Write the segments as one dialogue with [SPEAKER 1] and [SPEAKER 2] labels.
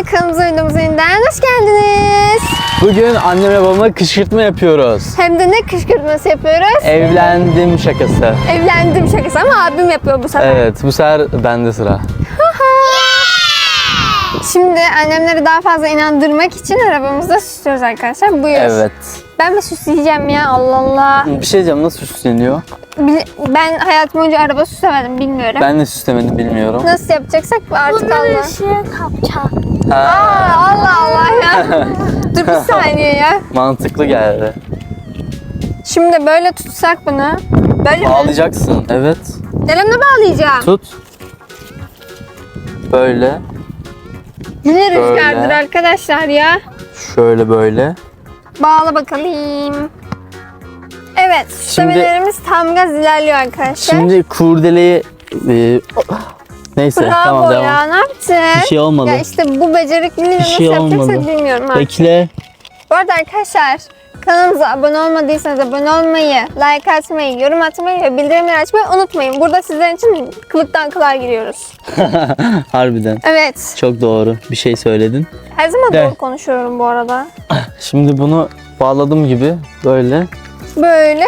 [SPEAKER 1] Kanalımıza videomuza yeniden hoş geldiniz.
[SPEAKER 2] Bugün annemle babama kışkırtma yapıyoruz.
[SPEAKER 1] Hem de ne kışkırtması yapıyoruz?
[SPEAKER 2] Evlendim şakası.
[SPEAKER 1] Evlendim şakası ama abim yapıyor bu sefer.
[SPEAKER 2] Evet, bu sefer bende sıra.
[SPEAKER 1] Şimdi annemleri daha fazla inandırmak için arabamızda süslüyoruz arkadaşlar. Buyur.
[SPEAKER 2] Evet.
[SPEAKER 1] Ben mi süsleyeceğim ya, Allah Allah.
[SPEAKER 2] Bir şey diyeceğim, nasıl süsleniyor?
[SPEAKER 1] Ben hayatım boyunca araba süslemedim, bilmiyorum.
[SPEAKER 2] Ben de süslemedim, bilmiyorum.
[SPEAKER 1] Nasıl yapacaksak artık Allah.
[SPEAKER 3] Bunları ışığı kapacağım.
[SPEAKER 1] Allah Allah ya. Dur bir saniye ya.
[SPEAKER 2] Mantıklı geldi.
[SPEAKER 1] Şimdi böyle tutsak bunu. Böyle mi?
[SPEAKER 2] Bağlayacaksın, evet.
[SPEAKER 1] Elimle bağlayacağım.
[SPEAKER 2] Tut. Böyle,
[SPEAKER 1] Yine
[SPEAKER 2] Böyle.
[SPEAKER 1] rüzgardır arkadaşlar ya.
[SPEAKER 2] şöyle böyle.
[SPEAKER 1] Bağla bakalım. Evet, süslemelerimiz tam gaz ilerliyor arkadaşlar.
[SPEAKER 2] Şimdi kurdeleyi... neyse,
[SPEAKER 1] Bravo
[SPEAKER 2] tamam
[SPEAKER 1] ya,
[SPEAKER 2] devam.
[SPEAKER 1] ne yaptın?
[SPEAKER 2] Bir şey olmadı.
[SPEAKER 1] Ya işte bu becerikliliği
[SPEAKER 2] Bir
[SPEAKER 1] nasıl
[SPEAKER 2] şey
[SPEAKER 1] yapacaksak
[SPEAKER 2] olmadı.
[SPEAKER 1] bilmiyorum artık.
[SPEAKER 2] Bekle.
[SPEAKER 1] Bu arada arkadaşlar, kanalımıza abone olmadıysanız abone olmayı, like atmayı, yorum atmayı ve bildirimleri açmayı unutmayın. Burada sizler için kılıktan kılığa giriyoruz.
[SPEAKER 2] Harbiden.
[SPEAKER 1] Evet,
[SPEAKER 2] Çok doğru bir şey söyledin.
[SPEAKER 1] her zaman
[SPEAKER 2] De.
[SPEAKER 1] doğru konuşuyorum bu arada.
[SPEAKER 2] Şimdi bunu bağladım gibi böyle.
[SPEAKER 1] Böyle.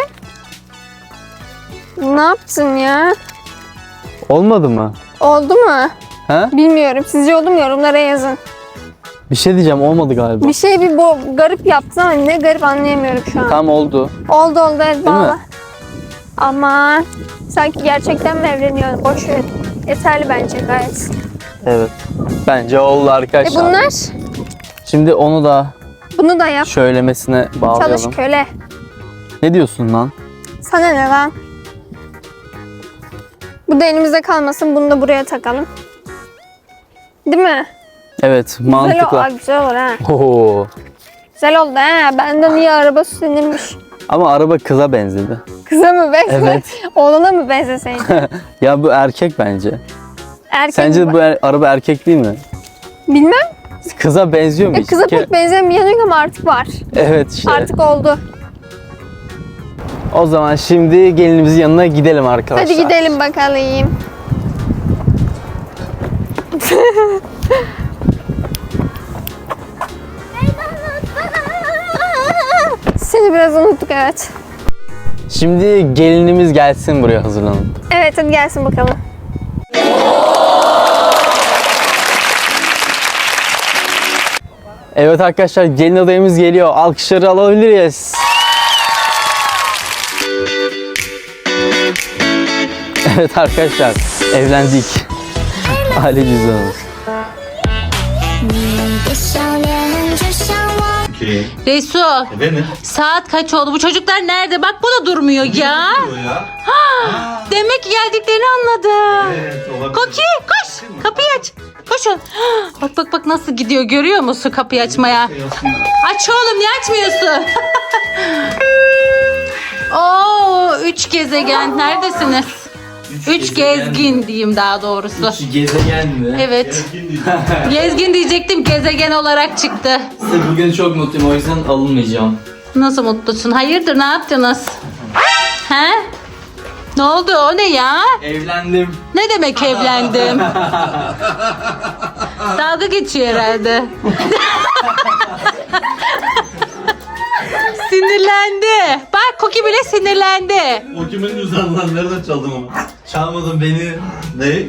[SPEAKER 1] Ne yaptın ya?
[SPEAKER 2] Olmadı mı?
[SPEAKER 1] Oldu mu?
[SPEAKER 2] Ha?
[SPEAKER 1] Bilmiyorum. Sizce oldu mu? Yorumlara yazın.
[SPEAKER 2] Bir şey diyeceğim, olmadı galiba.
[SPEAKER 1] Bir şey garip yaptın ama ne garip anlayamıyorum şu an.
[SPEAKER 2] Tam oldu.
[SPEAKER 1] Oldu evet,
[SPEAKER 2] Değil mi?
[SPEAKER 1] bağla. Ama sanki gerçekten mi evleniyor? Boş ver. Yeterli bence gayet.
[SPEAKER 2] Evet. Bence oldu arkadaşlar.
[SPEAKER 1] Bunlar?
[SPEAKER 2] Şimdi onu da
[SPEAKER 1] Bunu da yap.
[SPEAKER 2] şöylemesine bağlayalım.
[SPEAKER 1] Çalış köle.
[SPEAKER 2] Ne diyorsun lan?
[SPEAKER 1] Sana ne lan? Bu da elimizde kalmasın. Bunu da buraya takalım. Değil mi?
[SPEAKER 2] Evet, mantıklı.
[SPEAKER 1] Güzel olur ha.
[SPEAKER 2] Oo.
[SPEAKER 1] Güzel oldu ha. Benden iyi araba süslenirmiş.
[SPEAKER 2] Ama araba kıza benzedi.
[SPEAKER 1] Kıza mı benzedi?
[SPEAKER 2] Evet.
[SPEAKER 1] Oğlana mı benzeseydi?
[SPEAKER 2] Ya bu erkek bence.
[SPEAKER 1] Erkek
[SPEAKER 2] Sence
[SPEAKER 1] mi?
[SPEAKER 2] bu araba erkek değil mi?
[SPEAKER 1] Bilmem.
[SPEAKER 2] Kıza benziyor mu hiç?
[SPEAKER 1] Kıza pek benzemiyor ama artık var.
[SPEAKER 2] Evet işte.
[SPEAKER 1] Artık oldu.
[SPEAKER 2] O zaman şimdi gelinimizin yanına gidelim arkadaşlar.
[SPEAKER 1] Hadi gidelim bakalım. Seni biraz unuttuk, evet.
[SPEAKER 2] Şimdi gelinimiz gelsin buraya hazırlanıp.
[SPEAKER 1] Evet, hadi gelsin bakalım.
[SPEAKER 2] Evet arkadaşlar, gelin adayımız geliyor. Alkışları alabiliriz. Evet arkadaşlar, evlendik. Aile cüzdanımız.
[SPEAKER 4] Resul,
[SPEAKER 5] Efendim?
[SPEAKER 4] saat kaç oldu? Bu çocuklar nerede? Bak bu da durmuyor ya.
[SPEAKER 5] Ya.
[SPEAKER 4] Demek ki geldiklerini anladı.
[SPEAKER 5] Evet, olabilir.
[SPEAKER 4] Koki, koş. Kapıyı aç. Koşun. Bak nasıl gidiyor, görüyor musun kapıyı açmaya? Aç oğlum, niye açmıyorsun? Oo, 3 gezegen. Neredesiniz? 3 gezgin diyeyim daha doğrusu.
[SPEAKER 2] Gezegen mi?
[SPEAKER 4] Evet. Gezgin diyecektim, gezegen olarak çıktı.
[SPEAKER 2] Bugün çok mutluyum, o yüzden alınmayacağım.
[SPEAKER 4] Nasıl mutlusun? Hayırdır, ne yaptınız? He? Ne oldu, o ne ya?
[SPEAKER 2] Evlendim.
[SPEAKER 4] Ne demek evlendim? Dalga geçiyor herhalde. Sinirlendi. Bak Koki bile sinirlendi.
[SPEAKER 5] O kimin cüzdanı lan? Nereden çaldın onu?
[SPEAKER 2] Çalmadın beni.
[SPEAKER 5] Ne?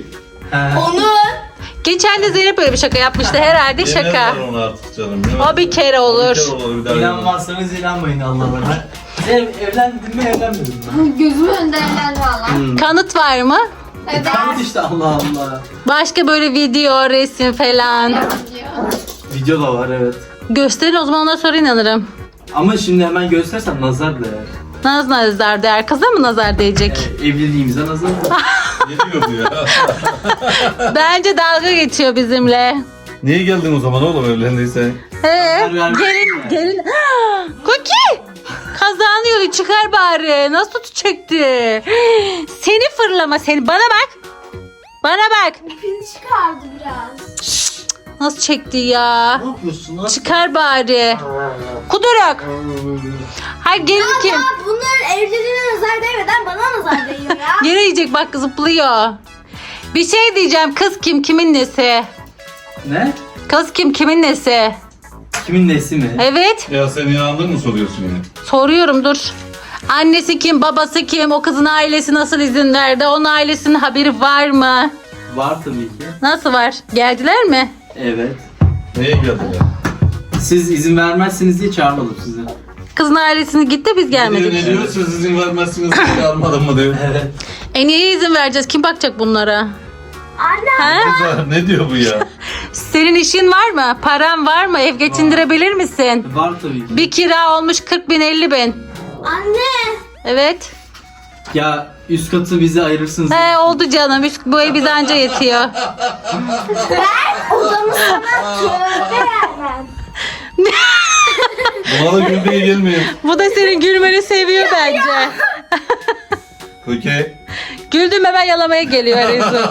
[SPEAKER 4] Geçen de Zeynep böyle bir şaka yapmıştı herhalde, şaka.
[SPEAKER 5] Yemezler onu artık canım.
[SPEAKER 4] O bir kere olur.
[SPEAKER 5] Bir kere olur, bir daha yemez.
[SPEAKER 2] İnanmazsanız inanmayın Allah'ına. Evlendim mi evlenmedim mi?
[SPEAKER 1] Gözümün önünde evlendi valla.
[SPEAKER 4] Kanıt var mı?
[SPEAKER 1] Evet.
[SPEAKER 2] işte Allah Allah.
[SPEAKER 4] Başka böyle video, resim falan.
[SPEAKER 2] Video da var, evet.
[SPEAKER 4] Gösterin, o zaman ondan sonra inanırım.
[SPEAKER 2] Ama şimdi hemen göstersem nazar değer.
[SPEAKER 4] Nazar değer. Kıza mı nazar değecek?
[SPEAKER 2] Evliliğimize nazar değer.
[SPEAKER 5] Ne diyor bu ya?
[SPEAKER 4] Bence dalga geçiyor bizimle.
[SPEAKER 5] Niye geldin o zaman oğlum evlendiysen?
[SPEAKER 4] Gelin. Koki! Kazağını yolu çıkar bari. Nasıl tutacaktı? Seni fırlama seni. Bana bak. Bana bak.
[SPEAKER 3] Pil çıkardı biraz.
[SPEAKER 4] Nasıl çekti ya?
[SPEAKER 2] Ne yapıyorsun lan?
[SPEAKER 4] Çıkar bari. Kuduruk. Hayır gelin kim?
[SPEAKER 3] Ya bunların evliliğine nazar değmeden bana nazar değiyor ya.
[SPEAKER 4] Yere yiyecek bak, zıplıyor. Bir şey diyeceğim, kız kim, kimin nesi?
[SPEAKER 2] Ne?
[SPEAKER 4] Kız kim? Kimin nesi?
[SPEAKER 2] Kimin nesi mi?
[SPEAKER 4] Evet.
[SPEAKER 5] Ya sen inandın mı soruyorsun yine?
[SPEAKER 4] Soruyorum dur. Annesi kim? Babası kim? O kızın ailesi nasıl izin verdi? Onun ailesinin haberi var mı?
[SPEAKER 2] Var tabii ki.
[SPEAKER 4] Nasıl var? Geldiler mi?
[SPEAKER 2] Evet.
[SPEAKER 5] Neye geldiler?
[SPEAKER 2] Siz izin vermezsiniz diye çağırmadım sizi.
[SPEAKER 4] Kızın ailesini gitti biz gelmedik.
[SPEAKER 5] Ne diyor? Siz izin vermezsiniz diye almadım mı diyor.
[SPEAKER 2] Evet.
[SPEAKER 4] Niye izin vereceğiz? Kim bakacak bunlara?
[SPEAKER 3] Anne.
[SPEAKER 4] Ha?
[SPEAKER 5] Kızlar, ne diyor bu ya?
[SPEAKER 4] Senin işin var mı? Paran var mı? Ev geçindirebilir misin?
[SPEAKER 2] Var tabii ki.
[SPEAKER 4] Bir kira olmuş 40 bin 50 bin.
[SPEAKER 3] Anne.
[SPEAKER 4] Evet.
[SPEAKER 2] Ya üst katı bize ayırırsınız.
[SPEAKER 4] He oldu canım. Bu ev bize anca yetiyor.
[SPEAKER 3] Odamı sana tövbe vermem.
[SPEAKER 5] Buna da gülmeye gelmiyor.
[SPEAKER 4] Bu da senin gülmeni seviyor bence.
[SPEAKER 5] Okey.
[SPEAKER 4] Güldüm hemen yalamaya geliyor Resul.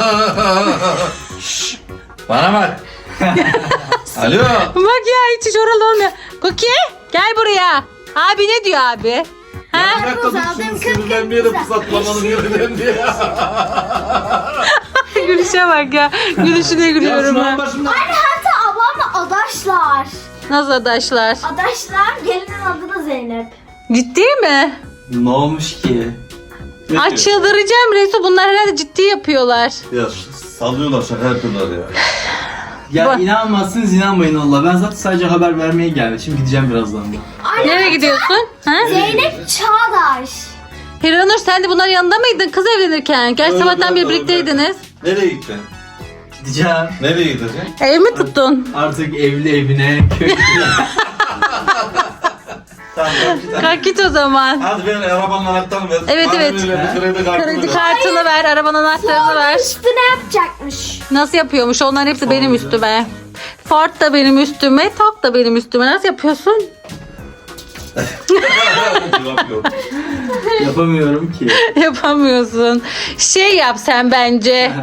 [SPEAKER 5] Bana bak. Alo.
[SPEAKER 4] Bak ya hiç oralı olmuyor. Cookie gel buraya. Abi ne diyor abi? Ha?
[SPEAKER 5] Bir dakika dur şimdi sinirden bir yere fırsatlamanın yerinden diye.
[SPEAKER 4] Gülüşe bak ya. Gülüşüne gülüyorum ben.
[SPEAKER 2] başımdan.
[SPEAKER 3] Anne hatta ablamla adaşlar.
[SPEAKER 4] Nasıl adaşlar?
[SPEAKER 3] Adaşlar gelinin adı da Zeynep.
[SPEAKER 4] Ciddi mi?
[SPEAKER 2] Ne olmuş ki?
[SPEAKER 4] Ay çıldıracağım Resul. Bunlar herhalde ciddi yapıyorlar.
[SPEAKER 5] Ya sallıyorlar şaka yapıyorlar ya.
[SPEAKER 2] Ya
[SPEAKER 4] Bak.
[SPEAKER 2] inanmazsınız inanmayın Allah. Ben zaten sadece haber vermeye geldim. Şimdi gideceğim birazdan da.
[SPEAKER 3] Anne
[SPEAKER 4] Nereye gidiyorsun? Ha?
[SPEAKER 3] Zeynep Çağdaş.
[SPEAKER 4] Hiranur sen de bunların yanında mıydın kız evlenirken? Gerçi
[SPEAKER 5] Öyle,
[SPEAKER 4] sabahtan beri
[SPEAKER 5] öyle.
[SPEAKER 4] birlikteydiniz.
[SPEAKER 5] Nereye gittin?
[SPEAKER 2] Gideceğim.
[SPEAKER 5] Nereye gideceksin?
[SPEAKER 4] Ev mi tuttun?
[SPEAKER 2] Artık evli evine, köylü.
[SPEAKER 5] Tamam git.
[SPEAKER 4] Kalk git o zaman.
[SPEAKER 5] Hadi ver arabanın anahtarını ver.
[SPEAKER 4] Evet,
[SPEAKER 5] Bana
[SPEAKER 4] evet.
[SPEAKER 5] öyle bir kredi kartını
[SPEAKER 4] Kredi
[SPEAKER 5] ver.
[SPEAKER 4] kartını ver, arabanın anahtarını ver.
[SPEAKER 3] Üstüne yapacakmış.
[SPEAKER 4] Nasıl yapıyormuş? Onların hepsi benim üstüme. Ford da benim üstüme, Tok da benim üstüme. Nasıl yapıyorsun?
[SPEAKER 5] Cevap yok.
[SPEAKER 2] Yapamıyorum ki.
[SPEAKER 4] Yapamıyorsun. Şey yap sen bence.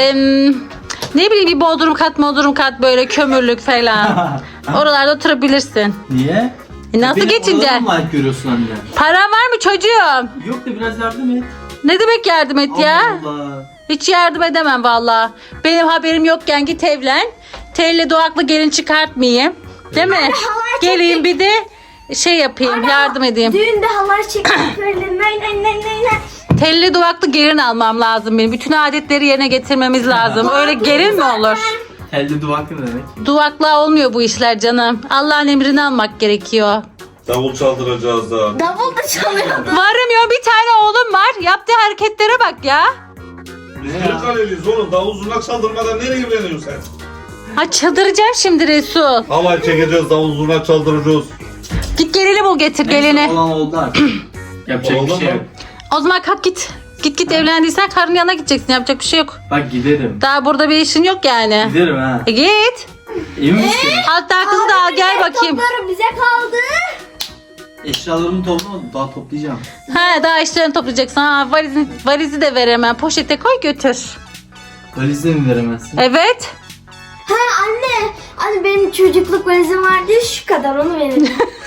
[SPEAKER 4] Ne bileyim bir bodrum kat böyle kömürlük falan. Oralarda oturabilirsin.
[SPEAKER 2] Niye?
[SPEAKER 4] Nasıl
[SPEAKER 2] Benim
[SPEAKER 4] geçince?
[SPEAKER 2] odadan mı layık görüyorsun anne?
[SPEAKER 4] Paran var mı çocuğum?
[SPEAKER 2] Yok da biraz yardım et.
[SPEAKER 4] Ne demek yardım et ya?
[SPEAKER 2] Allah Allah.
[SPEAKER 4] Hiç yardım edemem valla. Benim haberim yokken git evlen. Telli doğaklı gelin çıkartmayayım. Değil mi? Geleyim bir de şey yapayım, yardım edeyim.
[SPEAKER 3] Düğünde halay çekmek öyle nay.
[SPEAKER 4] Telli duvaklı gelin almam lazım benim. Bütün adetleri yerine getirmemiz lazım. Öyle gelin mi olur?
[SPEAKER 2] Elde duvak ne demek?
[SPEAKER 4] Duvakla olmuyor bu işler canım. Allah'ın emrini almak gerekiyor.
[SPEAKER 5] Davul çaldıracağız da.
[SPEAKER 3] Davul da çalıyordu.
[SPEAKER 4] Varım ya bir tane oğlum var. Yaptığı hareketlere bak ya.
[SPEAKER 5] Biz Kırıkkale'liyiz oğlum. Davul zurnak çaldırmadan nereye evleniyorsun sen?
[SPEAKER 4] Ha çıldıracağım şimdi Resul.
[SPEAKER 5] Havay çekeceğiz, davul zurnak çaldıracağız.
[SPEAKER 4] Git gelini bul getir
[SPEAKER 2] Neyse,
[SPEAKER 4] gelini.
[SPEAKER 2] olan oldu artık. Yapacak
[SPEAKER 5] Oldu
[SPEAKER 2] bir şey
[SPEAKER 5] mu?
[SPEAKER 2] yok.
[SPEAKER 4] O zaman kalk git. Git evlendiysen karının yanına gideceksin. Yapacak bir şey yok.
[SPEAKER 2] Bak giderim.
[SPEAKER 4] Daha burada bir işin yok yani.
[SPEAKER 2] Giderim ha.
[SPEAKER 4] Git.
[SPEAKER 2] Emin misin?
[SPEAKER 4] Hatta kızı da al gel bakayım.
[SPEAKER 3] Topları bize kaldı.
[SPEAKER 2] Eşyalarımı toplamadım. Daha toplayacağım.
[SPEAKER 4] Ha daha işlerini toplayacaksın. Ha valizi de ver hemen. Poşete koy götür.
[SPEAKER 2] Valizde mi veremezsin?
[SPEAKER 4] Evet.
[SPEAKER 3] Ha anne. Anne benim çocukluk valizim vardı ya, şu kadar onu verelim.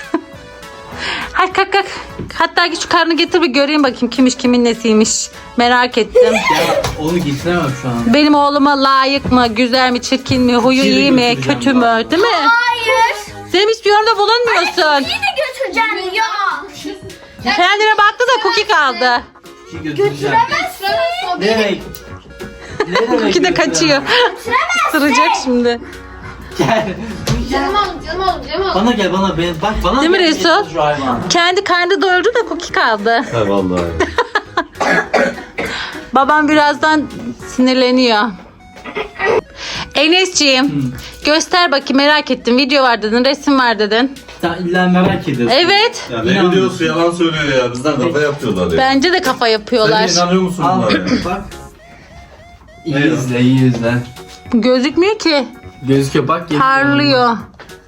[SPEAKER 4] Hadi kalk. Hatta git şu karnını getir bir göreyim bakayım kimmiş kimin nesiymiş. Merak ettim.
[SPEAKER 2] Ya onu getiremem şu an.
[SPEAKER 4] Benim oğluma layık mı, güzel mi, çirkin mi, huyu
[SPEAKER 2] Şimdi
[SPEAKER 4] iyi mi,
[SPEAKER 2] götüreceğim
[SPEAKER 4] kötü mü?
[SPEAKER 2] bak.
[SPEAKER 4] Değil mi?
[SPEAKER 3] Hayır.
[SPEAKER 4] Sen hiçbir yorumda bulunmuyorsun.
[SPEAKER 3] Yine götüreceğim ya.
[SPEAKER 4] Kendine baktı da cookie kaldı.
[SPEAKER 2] Ki götüreceğim.
[SPEAKER 3] Götüremezsin.
[SPEAKER 2] Ne demek? Ne demek?
[SPEAKER 4] Cookie de kaçıyor. Sıracak şimdi.
[SPEAKER 2] Gel.
[SPEAKER 1] Canım oğlum.
[SPEAKER 2] Bana gel bana. Bak bana
[SPEAKER 4] Değil mi
[SPEAKER 2] gel,
[SPEAKER 4] Resul?
[SPEAKER 2] getir şu hayvanı.
[SPEAKER 4] Kendi karnı doyurdu da cookie kaldı.
[SPEAKER 5] He vallahi.
[SPEAKER 4] Babam birazdan sinirleniyor. Enes'ciğim göster bakayım merak ettim. Video var dedin, resim var dedin.
[SPEAKER 2] Sen illa merak ediyorsun.
[SPEAKER 4] Evet.
[SPEAKER 5] Ya ne
[SPEAKER 2] İnanmıyorum.
[SPEAKER 5] biliyorsun yalan söylüyor ya. Bizden kafa yapıyorlar ya.
[SPEAKER 4] Bence de kafa yapıyorlar.
[SPEAKER 5] Sen inanıyor musun
[SPEAKER 2] Al
[SPEAKER 5] bunlara ya?
[SPEAKER 2] bak. İyi
[SPEAKER 5] Ne ya?
[SPEAKER 2] izle, iyi izle.
[SPEAKER 4] Gözükmüyor ki.
[SPEAKER 2] Gözüküyor bak. getir.
[SPEAKER 4] Parlıyor.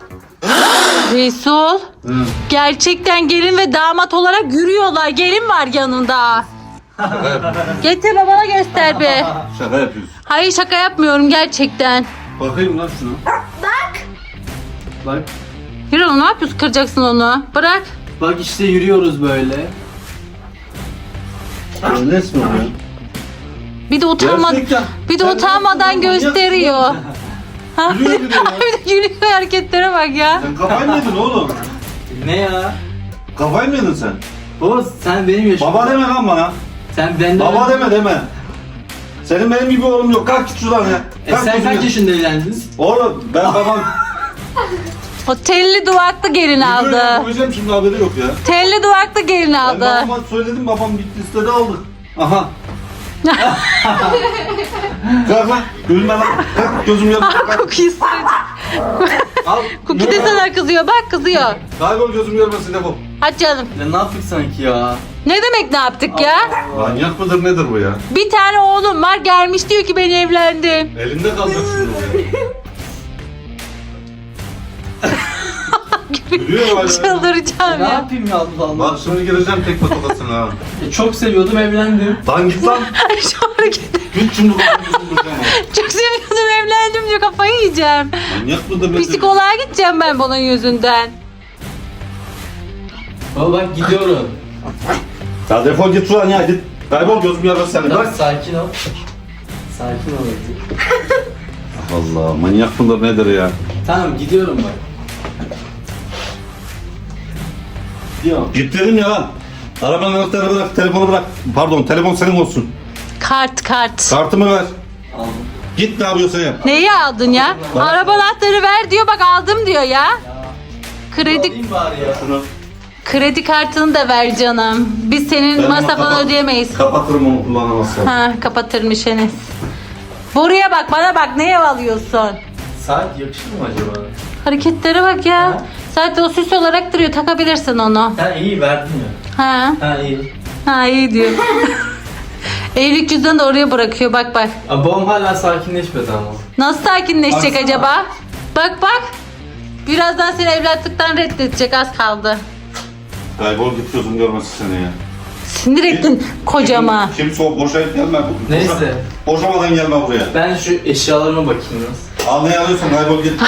[SPEAKER 4] Resul.
[SPEAKER 2] Hı.
[SPEAKER 4] Gerçekten gelin ve damat olarak yürüyorlar. Gelin var yanında.
[SPEAKER 5] Şaka yapıyorsun.
[SPEAKER 4] Getir babana göster be.
[SPEAKER 5] Şaka yapıyorsun.
[SPEAKER 4] Hayır şaka yapmıyorum gerçekten.
[SPEAKER 5] Bakayım lan şunu.
[SPEAKER 2] Bak.
[SPEAKER 4] Yürü oğlum, ne yapıyorsun? Kıracaksın onu. Bırak.
[SPEAKER 2] Bak işte yürüyoruz böyle.
[SPEAKER 5] Resmi ya.
[SPEAKER 4] Bir de utanmadan
[SPEAKER 2] Gerçekten.
[SPEAKER 4] bir de
[SPEAKER 2] Sen
[SPEAKER 4] utanmadan
[SPEAKER 2] nasıl manyak
[SPEAKER 4] gösteriyor.
[SPEAKER 2] mısın?
[SPEAKER 5] Gülüyor bir de ya.
[SPEAKER 4] Bir de gülüyor, hareketlere bak ya.
[SPEAKER 5] Sen kafayı mı yedin oğlum?
[SPEAKER 2] Ne ya?
[SPEAKER 5] Kafayı mı yedin sen?
[SPEAKER 2] Baba sen benim yaşım.
[SPEAKER 5] Baba deme lan bana.
[SPEAKER 2] Sen benden...
[SPEAKER 5] Baba deme. Senin benim gibi oğlum yok. Kalk git şuradan ya. Kalk
[SPEAKER 2] sen
[SPEAKER 5] gözüm
[SPEAKER 2] kaç
[SPEAKER 5] ya.
[SPEAKER 2] yaşında evlendiniz?
[SPEAKER 5] Oğlum ben babam.
[SPEAKER 4] O telli duvaklı gelin aldı.
[SPEAKER 5] Koyacağım şimdi haberi yok ya.
[SPEAKER 4] Telli duvaklı gelin
[SPEAKER 5] Ben
[SPEAKER 4] aldı.
[SPEAKER 5] babama söyledim, babam gitti istedi aldı. Aha. Kalk lan. Gülme lan. Kalk gözüm yanıyor. Kalk.
[SPEAKER 4] Cookie ısıracak.
[SPEAKER 5] Al.
[SPEAKER 4] Cookie de sana kızıyor, bak kızıyor.
[SPEAKER 5] Kaybol gözüm görmesin defol.
[SPEAKER 4] Hadi canım.
[SPEAKER 2] Ya ne yaptık sanki ya?
[SPEAKER 4] Ne demek ne yaptık ya?
[SPEAKER 5] Manyak mıdır nedir bu ya?
[SPEAKER 4] Bir tane oğlum var, gelmiş diyor ki ben evlendim.
[SPEAKER 5] Elinde kalacak şimdi bu ya. Gülüyor hala.
[SPEAKER 4] Çıldıracağım
[SPEAKER 2] Ne
[SPEAKER 4] ya.
[SPEAKER 2] yapayım ya Allah Allah.
[SPEAKER 5] Bak şimdi gireceğim tek patokasına ha.
[SPEAKER 2] Çok seviyordum evlendim.
[SPEAKER 5] Lan git lan.
[SPEAKER 4] Şu hareketi.
[SPEAKER 5] Git şimdi kafamı vuracağım ha.
[SPEAKER 4] Çok seviyordum, evlendim diyor, kafayı yiyeceğim.
[SPEAKER 5] Manyak mıdır nedir?
[SPEAKER 4] Psikoloğa gideceğim ben bunun yüzünden.
[SPEAKER 2] Baba bak gidiyorum.
[SPEAKER 5] Ya defol git şuradan ya git. Kaybol gözüm görmesin seni.
[SPEAKER 2] Tamam
[SPEAKER 5] Bırak.
[SPEAKER 2] sakin ol. Sakin ol.
[SPEAKER 5] Allah manyak mıdır nedir ya?
[SPEAKER 2] Tamam gidiyorum bak. Gidiyorum.
[SPEAKER 5] Git dedim ya lan. Arabanın anahtarını bırak, telefonu bırak. Pardon, telefon senin olsun.
[SPEAKER 4] Kart.
[SPEAKER 5] Kartımı ver.
[SPEAKER 2] Aldım.
[SPEAKER 5] Git ne yapıyorsan yap.
[SPEAKER 4] Neyi aldın ya? Araba anahtarı ver diyor, bak aldım diyor ya. Kredi
[SPEAKER 2] Alayım bari ya.
[SPEAKER 5] Şunu.
[SPEAKER 4] kredi kartını da ver canım. Biz senin
[SPEAKER 5] Ben
[SPEAKER 4] masrafını
[SPEAKER 5] onu
[SPEAKER 4] ödeyemeyiz.
[SPEAKER 5] Kapatırım onu kullanamazsam.
[SPEAKER 4] Ha, kapatırmış Enes. Buraya bak, bana bak, ne ev alıyorsun?
[SPEAKER 2] Saat yakışır mı acaba?
[SPEAKER 4] Hareketlere bak ya. Zaten o süs olarak duruyor, takabilirsin onu.
[SPEAKER 2] Ha iyi verdin ya.
[SPEAKER 4] Ha,
[SPEAKER 2] İyi.
[SPEAKER 4] ha iyi diyor. Evlilik cüzdanını da oraya bırakıyor, bak bak.
[SPEAKER 2] Babam hala sakinleşmedi ama.
[SPEAKER 4] Nasıl sakinleşecek
[SPEAKER 2] Baksana.
[SPEAKER 4] acaba? Bak. Birazdan seni evlatlıktan reddedecek, az kaldı.
[SPEAKER 5] Kaybol git gözüm görmesin seni ya.
[SPEAKER 4] Sinir ettin kocama.
[SPEAKER 5] Şimdi soğuk boşayıp gelme.
[SPEAKER 2] Neyse.
[SPEAKER 5] Boşamadan gelme buraya.
[SPEAKER 2] Ben şu eşyalarıma bakayım biraz.
[SPEAKER 5] Al ne alıyorsun kaybol git.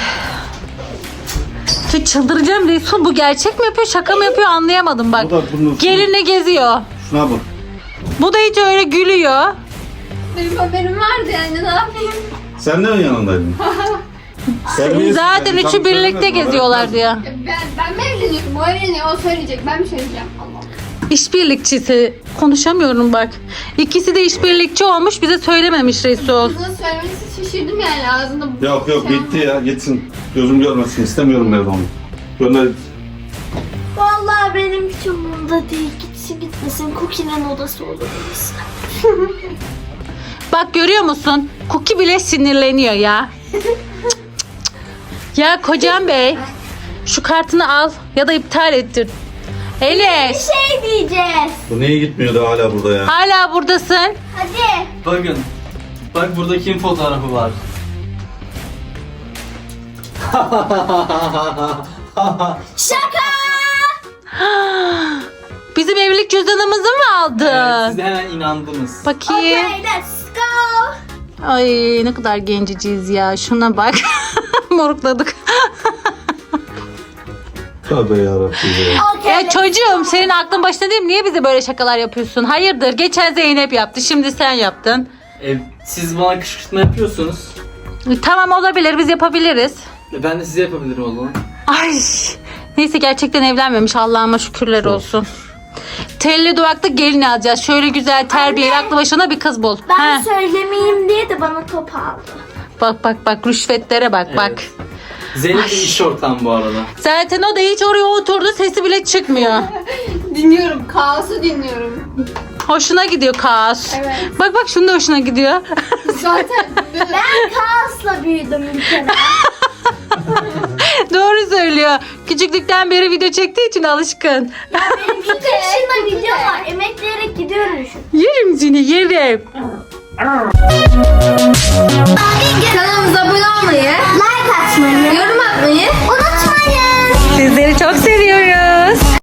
[SPEAKER 4] Şu çıldıracağım Resul, bu gerçek mi yapıyor, şaka mı yapıyor anlayamadım bak.
[SPEAKER 5] Bu da bunun-
[SPEAKER 4] Gelinle geziyor.
[SPEAKER 5] Şuna bak.
[SPEAKER 4] Bu da hiç öyle gülüyor.
[SPEAKER 1] Benim haberim vardı yani, ne yapayım?
[SPEAKER 5] Sen de mi yanındaydın? Terbiyesiz
[SPEAKER 4] Zaten
[SPEAKER 5] yani,
[SPEAKER 4] üçü
[SPEAKER 5] tam
[SPEAKER 4] birlikte
[SPEAKER 5] söylemedin,
[SPEAKER 4] geziyorlar
[SPEAKER 5] öğretmen.
[SPEAKER 4] diyor.
[SPEAKER 1] Ben mi evleniyorum? O evleniyor, o söyleyecek. Ben mi söyleyeceğim? Allah Allah.
[SPEAKER 4] İşbirlikçisi. Konuşamıyorum bak. İkisi de işbirlikçi olmuş, bize söylememiş Resul.
[SPEAKER 1] Kızın söylemesi şaşırdım yani, ağzında.
[SPEAKER 5] Yok
[SPEAKER 1] şey
[SPEAKER 5] gitti ya gitsin. Gözüm görmesin istemiyorum evde onu. Gönder.
[SPEAKER 3] Vallahi benim hiç umurumda değil. Gitsin gitmesin. Cookie'nin odası olur orası.
[SPEAKER 4] Bak görüyor musun? Cookie bile sinirleniyor ya. Cık, cık, cık. Ya kocam bey, şu kartını al ya da iptal ettir. Enes,
[SPEAKER 3] Şey diyeceğiz.
[SPEAKER 5] Bu niye gitmiyordu hala burada ya?
[SPEAKER 4] hala buradasın.
[SPEAKER 3] Hadi.
[SPEAKER 2] Bakın. Bak burada kim fotoğrafı var?
[SPEAKER 3] Şaka.
[SPEAKER 4] Bizim evlilik cüzdanımızı mı aldı?
[SPEAKER 2] Evet, siz de hemen inandınız.
[SPEAKER 4] Bakayım.
[SPEAKER 3] Okay, let's go.
[SPEAKER 4] Ay ne kadar genciciyiz ya. Şuna bak. Morukladık.
[SPEAKER 5] Tövbe yarabbim ya.
[SPEAKER 3] Okay,
[SPEAKER 4] Ya çocuğum, senin aklın başında değil mi? Niye bize böyle şakalar yapıyorsun? Hayırdır? Geçen Zeynep yaptı. Şimdi sen yaptın.
[SPEAKER 2] Siz bana kışkırtma yapıyorsunuz.
[SPEAKER 4] Tamam, olabilir. Biz yapabiliriz.
[SPEAKER 2] Ben de size yapabilirim o zaman.
[SPEAKER 4] Ay. Neyse, gerçekten evlenmemiş. Allah'ıma şükürler olsun. Telli duvaklı gelin alacağız. Şöyle güzel, terbiyeli, aklı başına bir kız bul.
[SPEAKER 3] Ben
[SPEAKER 4] He.
[SPEAKER 3] söylemeyeyim diye de bana top aldı.
[SPEAKER 4] Bak rüşvetlere bak.
[SPEAKER 2] Zeynep de iş ortağım bu arada.
[SPEAKER 4] Zaten o da hiç oraya oturdu, sesi bile çıkmıyor.
[SPEAKER 1] Dinliyorum, kaosu dinliyorum.
[SPEAKER 4] Hoşuna gidiyor kaos.
[SPEAKER 1] Evet.
[SPEAKER 4] Bak şunun da hoşuna gidiyor.
[SPEAKER 1] Zaten
[SPEAKER 3] Ben kaosla büyüdüm bir kere.
[SPEAKER 4] Doğru söylüyor. Küçüklükten beri video çektiği için alışkın.
[SPEAKER 3] Benim 2 yaşında video var. Emekleyerek gidiyorum şu.
[SPEAKER 4] Yerim seni, yerim.
[SPEAKER 1] kanalımıza abone olmayı,
[SPEAKER 3] Like atmayı,
[SPEAKER 1] yorum atmayı
[SPEAKER 3] unutmayın.
[SPEAKER 4] Sizleri çok seviyoruz.